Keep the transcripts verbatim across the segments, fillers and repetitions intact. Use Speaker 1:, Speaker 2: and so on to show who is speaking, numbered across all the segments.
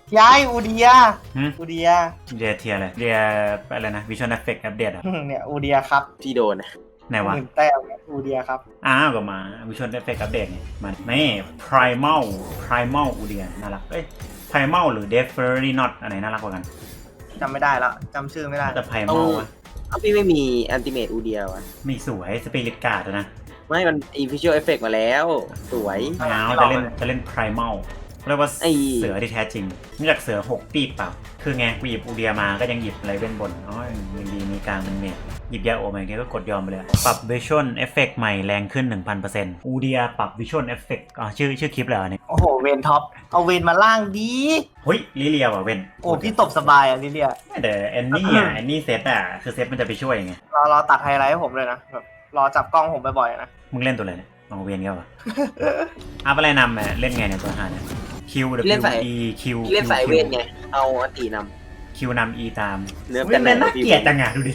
Speaker 1: ย้ายอูเดีย
Speaker 2: หืม
Speaker 1: อูเดีย
Speaker 2: เดียเทียอะไรเดียอะไรนะวิชวลเอฟเฟกต์อัปเดตอ่ะ
Speaker 1: เนี่ยอูเดียครับ
Speaker 3: ที่โดนนะ
Speaker 2: ไหนวะ
Speaker 1: หมื่นแต้มเนี่ยอูเดียครับ
Speaker 2: อ้าวก็มาวิชวลเอฟเฟกต์อัปเดตนี่มันนี่ primal primal อูเดียน่ารักเอ้ย primal หรือ definitely not อันไหนน่ารักกว่ากัน
Speaker 1: จำไม่ได้แล้วจำชื่อไม่ได้
Speaker 2: แต่ primal วะ
Speaker 3: เอาพี่ไม่มีอันติเมตอูเดียวะ
Speaker 2: ไม่สวยสปิริตการ์ดนะ
Speaker 3: ไม่มันอีวิชวลเอฟเฟกมาแล้ว สวย
Speaker 2: เงาจะเล่นจะเล่น primal เรียกว่า
Speaker 3: ไอ้
Speaker 2: เสือที่แท้จริงนอกจากเสือหกปีบเปล่าคือไงกูหยิบอูเดียมาก็ยังหยิบอะไรเว้นบนอ๋อยังดีมีกลางเป็นเมจหยิบยาโอมาอย่างเงี้ยก็กดยอมไปเลยปรับ visual effect ใหม่แรงขึ้น หนึ่งพันเปอร์เซ็นต์ อูเดียปรับ visual effect อ๋อชื่อชื่อคลิปเลยเหรอเนี่ย
Speaker 1: โอ้โหเวนท็อปเอาเวนมาล่างดี
Speaker 2: เฮ้ยลิเลียว่ะเว้น
Speaker 1: โอ้พี่ตบสบายอ่ะลิเลีย
Speaker 2: แต่แอนนี่อ่ะแอนนี่เซตอ่ะคือเซตมันจะไปช่วยไง
Speaker 1: รอรอตัดไฮไลท์ให้ผมเลยนะแบบรอจับกล้องผมบ่อยๆนะ
Speaker 2: มึงเล่นตัวอะไรเนี่ยลองเวียนกันวะ อัพอะไรนำอ่ะเล่นไงเนี่ยตัวหาเนี่ย Q W E Q
Speaker 3: พี่เล่นสายเวทไง เอาอันติน
Speaker 2: Q นำ E ตาม
Speaker 3: เนื้อ
Speaker 2: เว้นเป็นน่าเกลียดจังอ่ะดูดิ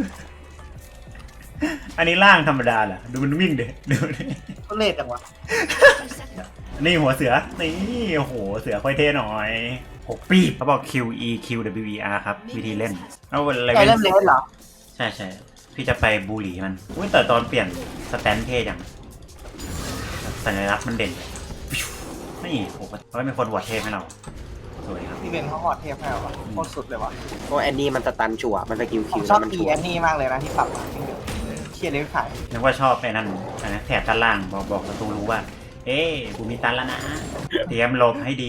Speaker 2: อันนี้ล่างธรรมดาเหรอดูมันวิ่งเด็ดูดิ
Speaker 1: ก็เลดจังวะ
Speaker 2: นี่หัวเสือ นี่โอ้โห เสือค่อยเท่หน่อยหกปีบเขาบอก Q E Q W E R ครับ วิธีเล่นเอาอะไร
Speaker 1: ไอ
Speaker 2: เล่
Speaker 1: เล่น
Speaker 2: น
Speaker 1: เลดเหรอ
Speaker 2: ใช่ใช่พี่จะไปบูลลี่มันอุ้ยแต่ตอนเปลี่ยนสแตนเท่จังสัญลักษณ์มันเด่นนี่โอ้โหเขาไม่เป็นคนวอดเทพให้เราสวยครับ
Speaker 1: พี่เวนเขาหอดเทพให้เหรอวะโคตรสุดเลยวะ
Speaker 3: ำเพราะแอนนี่มันสตันชัวร์มันสกิล
Speaker 1: ผ
Speaker 3: คิ
Speaker 1: ม
Speaker 3: ว
Speaker 1: ชอบ
Speaker 3: แล้วมัน
Speaker 1: อี
Speaker 3: ชัว
Speaker 1: แอ
Speaker 3: ร์
Speaker 1: นนี่มากเลยนะที่ปรับมาเชียร์เล่นขาย
Speaker 2: นึกว่าชอบไอ้นั่นอะไรนะแถบด้านล่างบอกบอกประตูรู้ว่า เอ๊ะกูมีตันแล้วนะ เตรียมหลบให้ดี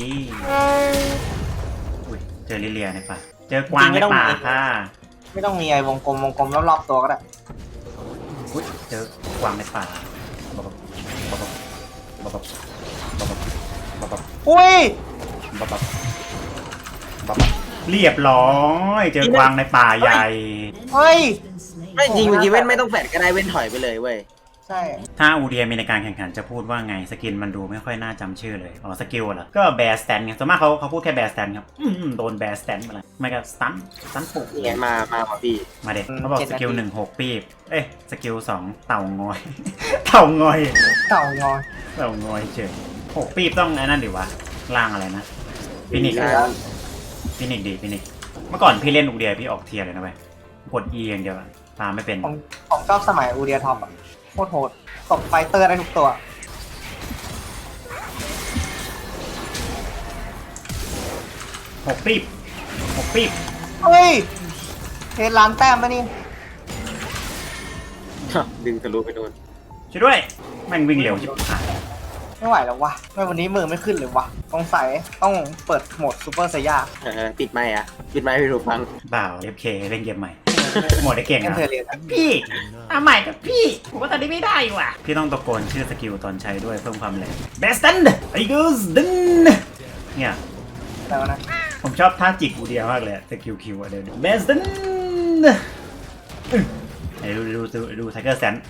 Speaker 2: อุ้ยเจอลิเลียในป่าเจอกวางในป่าค่ะ
Speaker 1: ไม่ต้องมีไอ้วงกลมวงกลมรอบๆตัวก็ได้
Speaker 2: อุ้ยเจอกวางในป่าบอบบบบบบบบบบบบบ
Speaker 1: อุ้ย
Speaker 2: บบบบบบเรียบร้อยเจอกวางในป่าใหญ่
Speaker 1: เฮ้ย
Speaker 3: ไม่จริงเมื่อกี้เว้นไม่ต้องแฟดก็ได้เว้นถอยไปเลยเว้ย
Speaker 1: ใช่
Speaker 2: ถ้าอูเดียมีในการแข่งขันจะพูดว่าไงสกินมันดูไม่ค่อยน่าจำชื่อเลยอ๋อสกิลเหรอก็แบร์สแตนไงส่วนมากเขาเขาพูดแค่แบร์สแตนครับอืมโดนแบร์สแตนมาเลยไม่ก็สตันสตันปุก
Speaker 3: นี่ไงมามาว่ะพี่
Speaker 2: มาเด็กเขาบอกสกิลหนึ่งหกปีบเอ้ยสกิลสองเต่างอย เต่างอย
Speaker 1: เต่างอย
Speaker 2: เต่างอยเฉยหกปีบต้องไอ้นั่นดิวะล่างอะไรนะฟินิก
Speaker 3: อ่า
Speaker 2: ฟินิกดีฟินิกเมื่อก่อนพี่เล่นอูเดียพี่ออกเทียร์เลยนะเว้ยกด E อย่างเดียวอะตามไม่เป็น
Speaker 1: ผมผมชอบสมัยอูเดียท็อปอะโคตรโหดตบไฟเตอร์ได้ทุกตัว
Speaker 2: หกปีบหกปีบ
Speaker 1: เฮ้ยเทล้านแต้มปะนี่
Speaker 3: ดึงทะลุไปโดน
Speaker 2: ช่วยด้วยแม่งวิ่งเร็วชิบหาย
Speaker 1: ไม่ไหวแล้ววะไม่วันนี้มือไม่ขึ้นเลยวะต้องใส่ต้องเปิดโหมดซูเปอร์ไซย่า
Speaker 3: เออปิดไมค์อ่ะปิดไมค์พี่ถูกฟัง
Speaker 2: บ่าว เอฟ เค เล่นเกมใหม่ หมดได้เก่ง
Speaker 1: เอ็น
Speaker 2: นะ
Speaker 1: เทอร์เรียน
Speaker 2: พี่เอาใหม่กับพี่ผมว่าตอนนี้ไม่ได้ว่ะพี่ต้องตะโกนชื่อสกิลตอนใช้ด้วยเพิ่มความแรงเบสตันไอกูสดึงเนี่ย
Speaker 1: แต่ว่านะ
Speaker 2: ผมชอบท่าจิกอูเดียมากเลยสกิลคิวอะเดี๋ยวเบสตันดูดูดูดูไทเกอร์แซน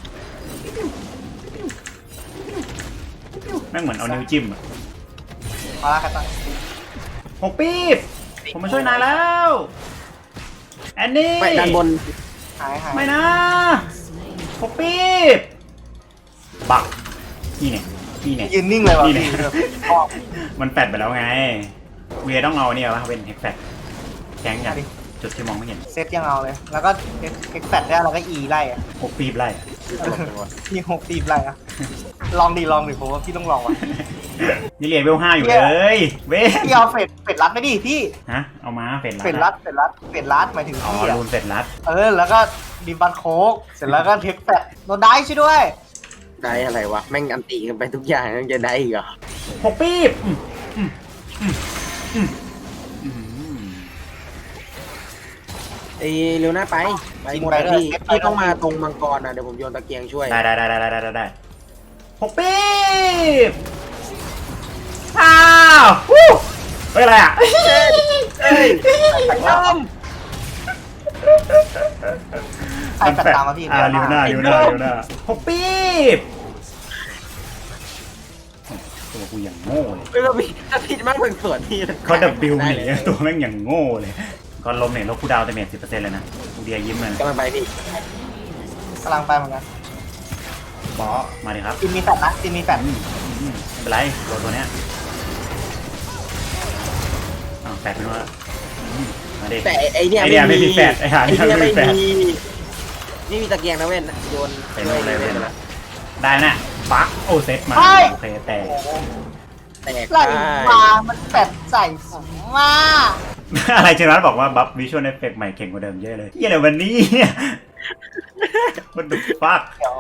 Speaker 2: แม่งเหมือนเอานิ้วจิ้มอะ
Speaker 1: มาละกันต่อ
Speaker 2: หกปีบผมมาช่วยนายแล้วแอนนี่
Speaker 3: ไปด้านบน
Speaker 1: หายหาย
Speaker 2: ไม่นะหกปีบบักนี่เนี่ยนี่เนี่ย
Speaker 1: ยืนนิ่งเลยวะ
Speaker 2: นี่
Speaker 1: พี่
Speaker 2: เนี่ย
Speaker 1: ชอบ
Speaker 2: มันแปดไปแล้วไงเวียต้องเอาเนี่ยวะเป็นเฮกแฟกแข็งอย่างจุดที่มองไม่เห็น
Speaker 1: เซตยังเอาเลย แล้วก็เอ็กแฟดได้แล้วก็อีไล่อะ
Speaker 2: หกปีบไล่อะ
Speaker 1: พี่หกตีบไล่อะลองดีลองดิผมว่าพี่ต้องลองว่ะ
Speaker 2: นี่เรียนเวลห้าอยู่เลย เว้ย
Speaker 1: พี่เอาเฟดเฟดรัดไปดิพี่
Speaker 2: ฮะเอามาเฟด
Speaker 1: เฟดรัดเฟดรัดเฟดรัดหมายถึง
Speaker 2: อ๋อ
Speaker 1: พี่อะ
Speaker 2: รูนเฟดรัด
Speaker 1: เออแล้วก็ดิบันโคกเสร็จแล้วก็เทคแฟดโดนได้ช่วยด้วย
Speaker 3: ได้อะไรวะแม่งอันติกันไปทุกอย่างยังจะได้อีกเหรอ
Speaker 2: หกปีบอืมอืมอืมอืมอืม
Speaker 3: เอ้ยเร็วหน้าไปไปหมดแล้วพี่พี่ต้องมาตรงมังกรนะเดี๋ยวผมโยนตะเกียงช่วย
Speaker 2: ได้ได้ได้ได้ได้ได้ได้หกปีบอ้าวฮู้เฮ้ยอะไรอ่ะ
Speaker 3: เอ้ยยอม
Speaker 1: ใครแฟดตามมาพี่
Speaker 2: อ่า
Speaker 1: เดี๋
Speaker 2: ลิ
Speaker 1: ยว
Speaker 2: วหน้า
Speaker 1: มา
Speaker 2: ลิวหน้าลิวหน้าหกปีบตัวกูอย่างโง่เลย
Speaker 3: ไม่ว่าพี่ถ้าผิดมากเป็นส่วนที่
Speaker 2: เขาดับบิวห
Speaker 3: ได้
Speaker 2: นี
Speaker 3: เลย
Speaker 2: ตัวแม่งอย่างโง่เลยก่อนลมเนี่ยลบคูดาวเตเมจสิบเปอร์เซ็นต์เลยนะอูเดียยิ้มเลย
Speaker 3: กำลังไปพี่
Speaker 1: กำลังไปเหมือนกัน
Speaker 2: บอสมาดิครับ
Speaker 1: จินมีแฟดนะจินมีแฟด
Speaker 2: อืมอืมไม่เป็นไรตัวตัวเนี้ยอ้าวแปดไม่รู้ว่ามาดิ
Speaker 3: แต่ไอเนี่ย
Speaker 2: ไอเนี่ยไม่มีแฟดไอหา
Speaker 3: ไอ
Speaker 2: เนี่ย
Speaker 3: เนี่ย
Speaker 2: ไม่
Speaker 3: ไม่
Speaker 2: มีแฟด
Speaker 3: มีไม่มีตะเกียงนะเว้นโยน
Speaker 2: ไปโน่นเลยเว้นละได้นะปักโอเซตมาโอเคแต่
Speaker 3: แตก
Speaker 1: ไหล
Speaker 3: ได้
Speaker 1: มามันแปดใส่ผมมา
Speaker 2: อะไรเจนัสบอกว่าบัฟวิชวลเอฟเฟกต์ใหม่เก่งกว่าเดิมเยอะเลยเฮียอะไรวันนี้ มันดุฟัก
Speaker 1: เดี๋ยว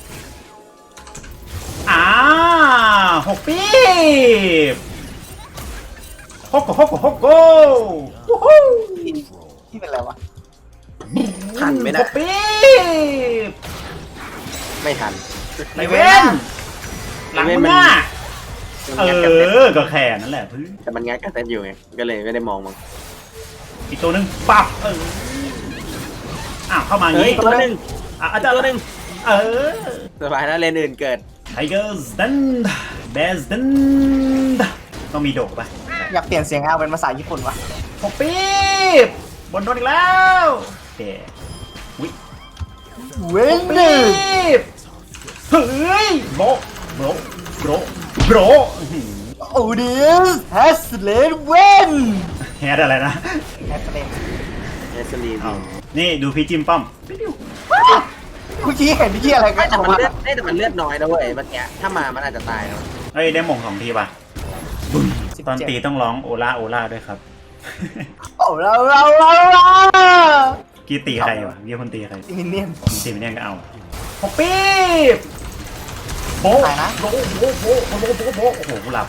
Speaker 2: อ่าหกปีบฮกโกฮกโกฮกโกวู้ฮู้
Speaker 1: ที่เป็นอะไรวะ
Speaker 3: ทันไหม
Speaker 2: ห
Speaker 3: นะ
Speaker 2: กปีบ
Speaker 3: ไม่ทัน
Speaker 2: ไอเวนหลังมึงอ่ะเอ
Speaker 3: มันงัดกันเต็ม
Speaker 2: อก็แค่นั้นแหละพื้น
Speaker 3: แต่มันงัดกันเต็มอยู่ไงก็เลยไม่ได้มองมั้ง
Speaker 2: อีกตัวหนึงปับเอออ้าวเข้ามาอย่าง
Speaker 3: เฮ้ย
Speaker 2: นี้
Speaker 3: ตัวหนึ่ง
Speaker 2: อ่ะอาจารย์
Speaker 3: ตัวหนึ่ง
Speaker 2: เออ
Speaker 3: สบายนะเลนอื่นเกิด
Speaker 2: ไทเกอร์สดันเบสดันต้องมีโดดป่ะ
Speaker 1: อยากเปลี่ยนเสียงเอาเป็นภาษาญี่ปุ่นวะ
Speaker 2: หกปีบบนโดนอีกแล้วเดวิ
Speaker 1: เว้นห
Speaker 2: ปี
Speaker 1: นึ่ง
Speaker 2: บเฮ้ยโบะโบะโบะโบะ
Speaker 1: โอเดียสแฮสเลนเว้น
Speaker 2: แฮดอะไรนะ
Speaker 1: แฮสเลน
Speaker 3: เอสลี
Speaker 2: เอานี่ดูพี่จิมป้อม
Speaker 1: เมื่อกี้เห็นเมื่อกี้อะไรกั
Speaker 3: ไม่
Speaker 1: น
Speaker 3: แต่
Speaker 1: ออก
Speaker 3: มัน
Speaker 1: มา
Speaker 3: เลือดไม่แต่มันเลือดน้อยนะเว้ยเมื่อกี้ถ้ามามันอาจจะตายนะ
Speaker 2: เอ้ยได้หม่งสองทีป่ะตอนตีต้องร้องโอล่าโอล่าด้วยครับ
Speaker 1: โอ้เราเราเราเรา
Speaker 2: กีตีใครวะกีคนตีใคร
Speaker 1: มินเนี่ยน
Speaker 2: ตีไม่แน่ก็เอาหกปีบโบะ
Speaker 1: ตายนะ
Speaker 2: โบะโบะโบะโบะโบะโบะโอ้โหกูหลับ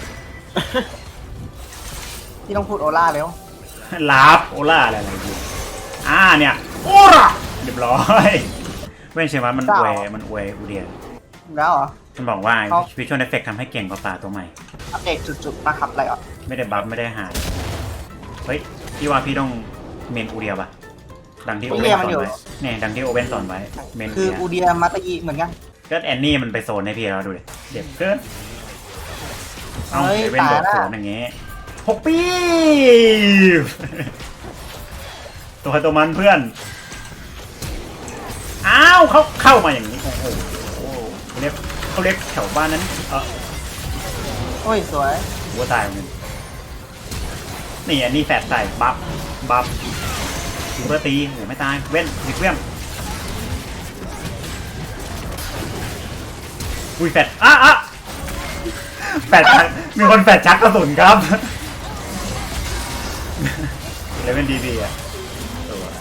Speaker 1: ที่ต้องพูดโอล่าเร็ว
Speaker 2: ลาบโอล่าอะไรอะไรอยู่อ่าเนี่ยโอล่าเรียบร้อยเว้นเชมันมันอวยมันอวยอูเดีย
Speaker 1: แล้วเหรอ
Speaker 2: มันบอกว่า
Speaker 1: เอา
Speaker 2: วิชวลเอฟเฟกทำให้เก่งกว่าป่าตัวใหม่
Speaker 1: อัปเดตจุดๆนะครับอะไรอ่ะ
Speaker 2: ไม่ได้บัฟไม่ได้หายเฮ้ยพี่ว่าพี่ต้องเมนอูเดียป่ะดังที่โอเว่นสอนไว้เนี่ยดังที่โอเว่นสอนไว้เมนอู
Speaker 1: คือ
Speaker 2: เดีย
Speaker 1: อูเดียมาตาอีเหมือนกัน
Speaker 2: ก็แอนนี่มันไปโซนให้พี่เราดูดิเด็บเกินเอา
Speaker 1: เฮ้ย
Speaker 2: เอเว่นโดด
Speaker 1: ตายละ
Speaker 2: สวนอย่างเงี้ยหกปีบ ตัวใครตัวมันเพื่อน อ้าวเขาเข้ามาอย่างนี้ โอ้โหเขาเรียกเขาเรียกแถวบ้านนั้น เออ
Speaker 1: โอ้ยสวย
Speaker 2: หัวตายเหมือนกันนี่อันนี้แฝดใส่บัฟบัฟซิเบอร์ตีโอ้ไม่ตาย เว้นดิเวียมอุ้ยแฝดอ่ะอ่ะแฝดชักมีคนแฝดชักกระสุนครับ เลเว่นดีดีอ่ะสวย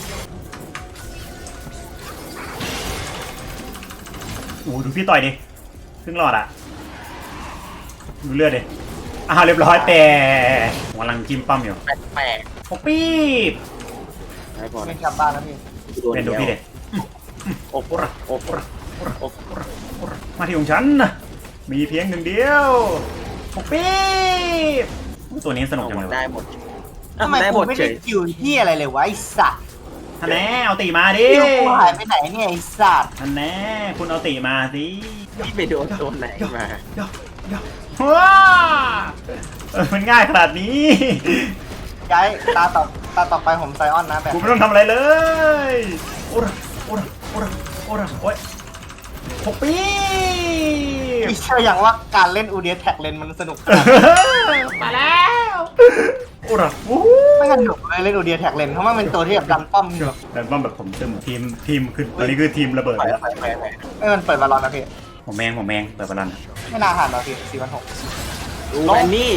Speaker 2: โอ้โหดูพี่ต่อยดิครึ่งหลอดอ่ะ ดูเลือดดิอ้าวเรียบร้อยแต่กำลังจิ้มปั้มอยู่
Speaker 3: แปลก
Speaker 2: หกปีบ
Speaker 3: ๆไม่พอ
Speaker 1: ไม่
Speaker 3: นะ
Speaker 1: กลับบ้านแล้วพี่
Speaker 3: โดน
Speaker 2: เป็นดู
Speaker 3: เดียว
Speaker 2: พี่เด็
Speaker 3: โอ้โหโอ้โห
Speaker 2: โอ้มาที่ของฉันนะมีเพียงหนึ่งเดียวหกปีบตัวนี้สนุกจังเลย
Speaker 3: ได้
Speaker 2: วะ
Speaker 3: หมด
Speaker 1: ทำไม
Speaker 3: ได้ห
Speaker 1: กู
Speaker 3: มด
Speaker 1: ไม่
Speaker 3: เฉ
Speaker 1: ได้
Speaker 3: ย
Speaker 1: คิวที่อะไรเลยวะไอ้สัตว์
Speaker 2: ท่านแน่เอาตีมาดิ
Speaker 1: คิวกูหายไปไหนเนี่ยไอ้สัตว์
Speaker 2: ท่านแน่คุณเอาตีมาสิ
Speaker 3: พี่ไปโดนตัวไหนมา
Speaker 2: ว้าเออมันง่ายขนาดนี้
Speaker 1: ย้ายตาต่อตาต่อไปผมไซออนนะแบบ
Speaker 2: กูไม่ต้องทำอะไรเลยโอ้ระโอ้ระโอ้ระโอ้ระโอ้ยหกปีบ
Speaker 1: พี่เชื่ออย่างว่าการเล่นอูเดียแท็กเลนมันสนุก
Speaker 2: มาแล้วโอ้ระโอ้โห
Speaker 1: ไม่กันหนุกเลยเล่นอูเดียแท็กเลนเพราะมันเป็นตัวที่แบบดันป้อมอยู่
Speaker 2: แต่ว่าแบบผมตึมทีมทีมคือตอนนี้คือทีมระเบิด
Speaker 1: ไป
Speaker 2: แล้ว
Speaker 1: ไปไปไปไม่มันเปิดบอลลอนนะพี่
Speaker 2: ผมแมงผมแมงเปิดบอลลัน
Speaker 1: ไม่น่าผ่านหรอกพี่สี่พันหก
Speaker 3: ดูแอนนี่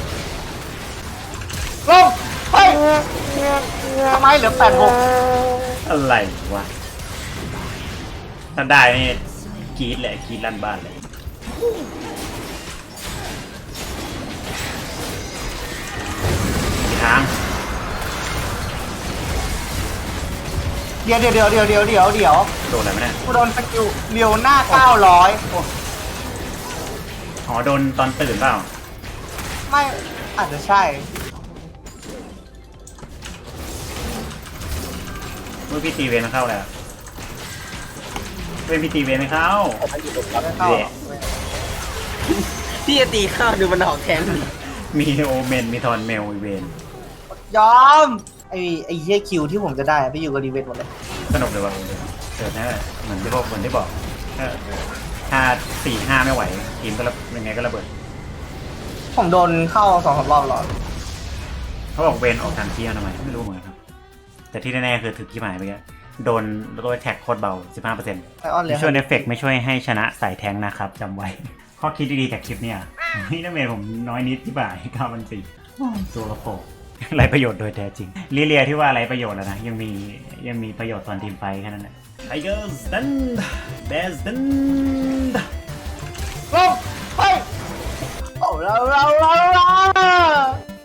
Speaker 1: ลงไปทำไมเหลือแปดหก
Speaker 2: อะไรวะถ้าได้นี่กรีดเลยกรีดลั่นบ้านเลยกี่ทาง
Speaker 1: เดี๋ยวเดี๋ยวเดี๋ยวเดี๋ยวเดี๋ยวเดี๋ยวเดี๋ยว
Speaker 2: โดนอะไรไหมเนี่ย
Speaker 1: กูโดนสกิลเลียวหน้าเก้าร้อย
Speaker 2: อ๋อโดนตอนตื่นเปล่า
Speaker 1: ไม่อาจจะใช่
Speaker 2: เมื่อพี่ตีเวนมาเข้าแล้วเว้นพี่ตีเวนไม่เข้า
Speaker 3: ไม่อยู่ตรงนั้น
Speaker 1: ไม่เข้าหรอก
Speaker 3: พี่จะตีข้าวดูมันออกแทน
Speaker 2: มีโอเมนมีทอนเมลอีเวน
Speaker 1: ยอมไอไอเหี้ยคิวที่ผมจะได้ไปอยู่กับรีเวนหมดเลย
Speaker 2: สนุกเลยว่ะเกิดแน่เหมือนที่บอกเหมือนที่บอกถ้าถ้าสี่ห้าไม่ไหวทีมก็ระยังไงก็ระเบิด
Speaker 1: ผมโดนเข้าสองสามรอบแล้ว
Speaker 2: เขาบอกเวนออกทางเที่ยวทำไมไม่รู้เหมือนกันครับแต่ที่แน่ๆคือถึกที่หมายไปแล้วโดนโดนแท็กโคตรเบา สิบห้าเปอร์เซ็นต์
Speaker 1: ไอออนเลี้ยง
Speaker 2: ช่วยเอฟเฟกไม่ช่วยให้ชนะสายแทงนะครับจำไว้ ข้อคิดดีๆจากคลิปเนี่ยนี่นักเมนผมน้อยนิดที่บ่ายเก้าพันสี่ตัวละโผไรประโยชน์โดยแท้จริงลิเลียที่ว่าไรประโยชน์แล้วนะยังมียังมีประโยชน์ตอนทีมไฟแค่นั้นแหละไทเกอร์สตันเบสตัน
Speaker 1: ลงไปโอ้เราเราเรา